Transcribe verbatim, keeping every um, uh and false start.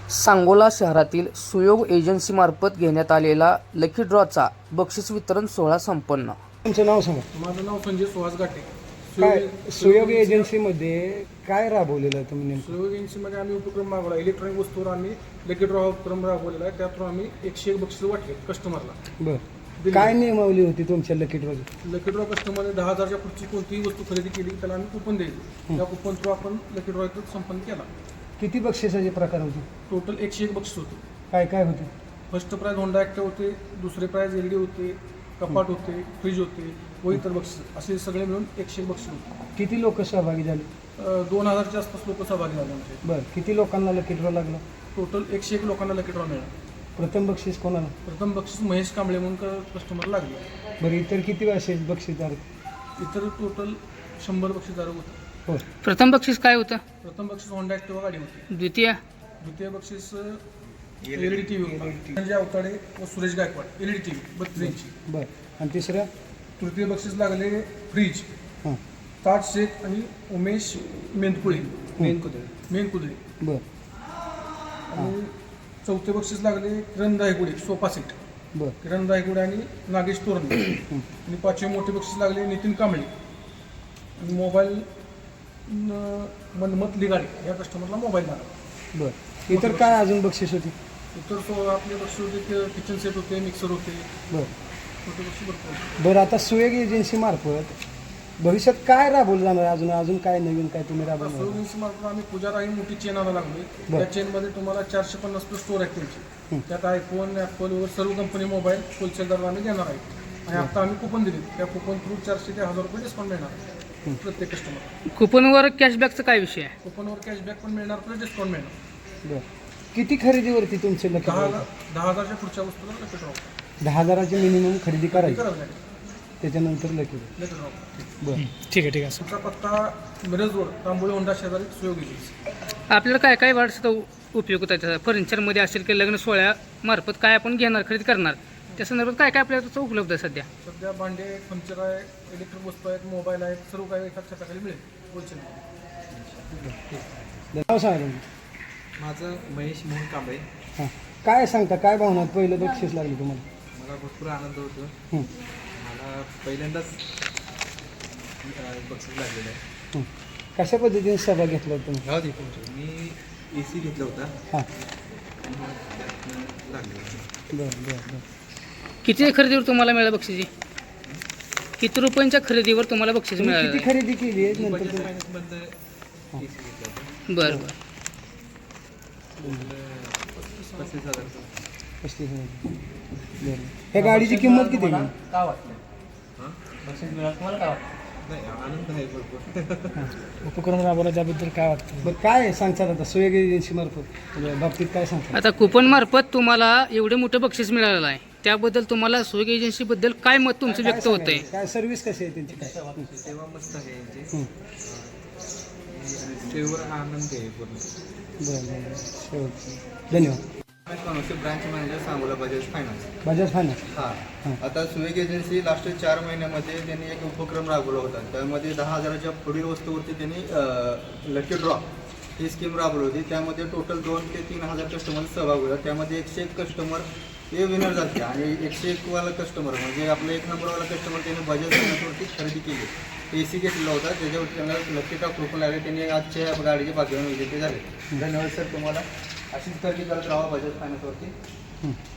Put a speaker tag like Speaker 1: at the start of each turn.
Speaker 1: सांगोला शहरातील सुयोग एजन्सीमार्फत घेण्यात आलेला लकी ड्रॉचा बक्षीस वितरण सोहळा संपन्न.
Speaker 2: तुमचं नाव सांगा.
Speaker 3: माझं नाव संजय सुहास घाटे.
Speaker 2: काय सुयोग एजन्सीमध्ये काय राबवलेलं आहे तुम्ही नेमकं?
Speaker 3: सुयोग एजन्सीमध्ये आम्ही उपक्रम राबवला. इलेक्ट्रॉनिक वस्तूवर आम्ही लकी ड्रॉ उपक्रम राबवलेला आहे. त्यातून आम्ही एकशे एक बक्षीस वाटले कस्टमरला.
Speaker 2: बरं, काय नियमावली होती तुमच्या लकी ड्रॉची?
Speaker 3: लकी ड्रॉ कस्टमरने दहा हजारच्या पुढची कोणतीही वस्तू खरेदी केली त्याला आम्ही कुपन द्यायची. त्या कुपन थ्रू आपण लकी ड्रॉ संपन्न केला.
Speaker 2: किती बक्षिसाचे प्रकार होते?
Speaker 3: टोटल एकशे एक बक्षीस होते.
Speaker 2: काय काय होते?
Speaker 3: फर्स्ट प्राइज होंडा ॲक्टिव्ह होते, दुसरे प्राइज एल डी होते, कपाट होते, फ्रीज होते व इतर बक्षीस असे सगळे मिळून एकशे एक बक्षीस होते.
Speaker 2: किती लोक सहभागी झाले?
Speaker 3: अं, दोन हजारच्या आसपास लोक सहभागी झाले आमचे.
Speaker 2: बरं, किती लोकांना लकी ड्रॉ लागला?
Speaker 3: टोटल एकशे एक लोकांना लकी ड्रॉ मिळाला.
Speaker 2: प्रथम बक्षीस कोणाला?
Speaker 3: प्रथम बक्षीस महेश कांबळे म्हणून कस्टमर लागले.
Speaker 2: बरं, इतर किती असे बक्षीसदार?
Speaker 3: इतर टोटल शंभर बक्षीसदार होते.
Speaker 2: हो.
Speaker 1: प्रथम बक्षीस काय होतं?
Speaker 3: प्रथम बक्षीस होंडा ॲक्टिव्हा गाडी होती.
Speaker 1: द्वितीय
Speaker 3: द्वितीय बक्षीस L E D T V होता. संजय अवताडे व Suresh Gaikwad L E D T V बत्तीस इंची.
Speaker 2: बरं, आणि तिसरं?
Speaker 3: तृतीय बक्षीस लागले फ्रीज
Speaker 2: हां.
Speaker 3: ताज शेख आणि उमेश मेंदकुळे
Speaker 2: मेनकुदळे.
Speaker 3: मेनकुदळे.
Speaker 2: बरं
Speaker 3: आणि चौथे बक्षीस लागले किरण दायगुडे सोफा सेट.
Speaker 2: बरं
Speaker 3: किरण दायगुडे आणि नागेश तोरणे. आणि पाचवे मोठे बक्षीस लागले नितीन कांबळे आणि मोबाईल मनमत लिगाडे या कस्टमरला मोबाईल लागला.
Speaker 2: बरं, इतर काय अजून बक्षीस होती?
Speaker 3: इतर सो आपले बक्षीस होते की किचन सेट होते, मिक्सर होते,
Speaker 2: बरं
Speaker 3: छोटे बक्षीस भरपूर होते.
Speaker 2: बरं, आता सुयोग एजन्सीमार्फत भविष्यात काय राबवलं जाणार? अजून अजून काय नवीन काय तुम्ही राबवणार?
Speaker 3: सोयींची मार्फत आम्ही पुजारा ही मोठी चेन आणायला लागलोय.
Speaker 2: बरं.
Speaker 3: त्या चेनमध्ये तुम्हाला चारशे पन्नास प्लस स्टोर आहेत त्यांची. त्यात आयफोन, ॲपल वगैरे सर्व कंपनी मोबाईल होलसेल दरात आम्ही देणार आहे. आणि आता आम्ही कुपन दिले. त्या कुपन थ्रू चारशे ते हजार रुपये डिस्काउंट मिळणार प्रत्येक कस्टमर.
Speaker 1: कुपनवर कॅशबॅकचा काय विषय आहे?
Speaker 3: कुपनवर कॅशबॅक पण मिळणार प्लस डिस्काउंट मिळणार.
Speaker 2: बरं, किती खरेदीवरती तुमचे लकी
Speaker 3: दहा
Speaker 2: ड्रॉ?
Speaker 3: दहा हजारच्या पुढच्या वस्तूला लकी ड्रॉ
Speaker 2: दहा हजाराची मिनिमम खरेदी करायची,
Speaker 3: करावं लागेल.
Speaker 2: त्याच्यानंतर लकी ड्रॉ.
Speaker 3: Lucky draw.
Speaker 2: बरं,
Speaker 1: ठीक आहे ठीक आहे.
Speaker 3: तुमचा पत्ता मिरज रोड तांबोळी होंडा शेजारी सुयोग एजन्सी.
Speaker 1: आपल्याला काय काय वाढचा उपयोग होता त्याचा? फर्निचरमध्ये असेल की लग्न सोहळ्यामार्फत काय आपण घेणार खरेदी करणार त्या संदर्भात काय काय आपल्याला त्याचा उपलब्ध आहे सध्या?
Speaker 3: सध्या भांडे, फर्निचर आहे, इलेक्ट्रिक वस्तू आहेत, मोबाईल आहेत, सर्व काही एकाच छताखाली मिळेल होलसेल.
Speaker 2: नाव सांगा तुम्ही.
Speaker 4: माझं महेश मोहन कांबळे.
Speaker 2: हां, काय सांगता, काय भावना? पहिलं बक्षीस लागलं तुम्हाला?
Speaker 4: मला भरपूर आनंद होतो.
Speaker 2: हं,
Speaker 4: मला पहिल्यांदाच अं, बक्षीस लागलेलं आहे.
Speaker 2: हं. कशा पद्धतीने सहभाग घेतला होता तुम्ही?
Speaker 4: गाव तुमचं मी ए सी घेतला होता.
Speaker 2: हां,
Speaker 4: त्यातनं लागलं.
Speaker 2: बरं बरं बरं.
Speaker 1: किती खरेदीवर तुम्हाला मिळालं बक्षिसी? किती रुपयांच्या खरेदीवर तुम्हाला बक्षीस
Speaker 2: तुम्ही
Speaker 1: मिळालं?
Speaker 2: किती खरेदी केली आहे नंतर
Speaker 4: बजाज
Speaker 2: तुम्ही?
Speaker 4: फायनान्समधनं ए सी घेतला होता.
Speaker 1: बरं बरं.
Speaker 4: टोटल पस्तीस हजार.
Speaker 2: पस्तीस हजार. बरं, ह्या गाडीची किंमत किती आहे?
Speaker 4: हां नाही, आनंद आहे भरपूर.
Speaker 2: उपक्रम राबवला त्याबद्दल काय वाटतं? बरं, काय सांगतात आता सुयोग एजन्सीमार्फत बाबतीत काय सांगतात?
Speaker 1: आता कुपनमार्फत तुम्हाला एवढे मोठं बक्षीस मिळालेलं आहे, त्याबद्दल तुम्हाला सुयोग एजन्सीबद्दल काय मत तुमचं
Speaker 2: काय
Speaker 1: व्यक्त होत आहे?
Speaker 2: सांगायचं? काय सर्व्हिस कशी आहे त्यांची? काय
Speaker 4: सेवा मस्त आहे यांची.
Speaker 2: हं.
Speaker 4: सेवेवर आनंद आहे पूर्ण.
Speaker 2: बरं बरं बरं. शेवटचं. धन्यवाद.
Speaker 5: Branch manager Sangola Bajaj finance.
Speaker 2: Bajaj finance.
Speaker 5: हां, आता सुयोग एजन्सी लास्ट चार महिन्यामध्ये त्यांनी एक उपक्रम राबवला होता. त्यामध्ये दहा हजाराच्या पुढील वस्तूवरती त्यांनी लकी ड्रॉ ही स्कीम राबवली होती. त्यामध्ये टोटल दोन ते तीन हजार कस्टमर सहभाग होता. त्यामध्ये एकशे एक कस्टमर हे विनर झाले आणि एकशे एकवाला कस्टमर म्हणजे आपला एक नंबरवाला कस्टमर त्यांनी बजाज फायनान्सवरती खरेदी केली. ए सी घेतलेला होता, त्याच्यावर त्यांना लकी ड्रॉ कुपन लागले. त्यांनी आजच्या गाडीचे भाग्यवान विजेते झाले. धन्यवाद सर तुम्हाला. अशीच खरेदी करत राहा बजाज फायनान्सवरती.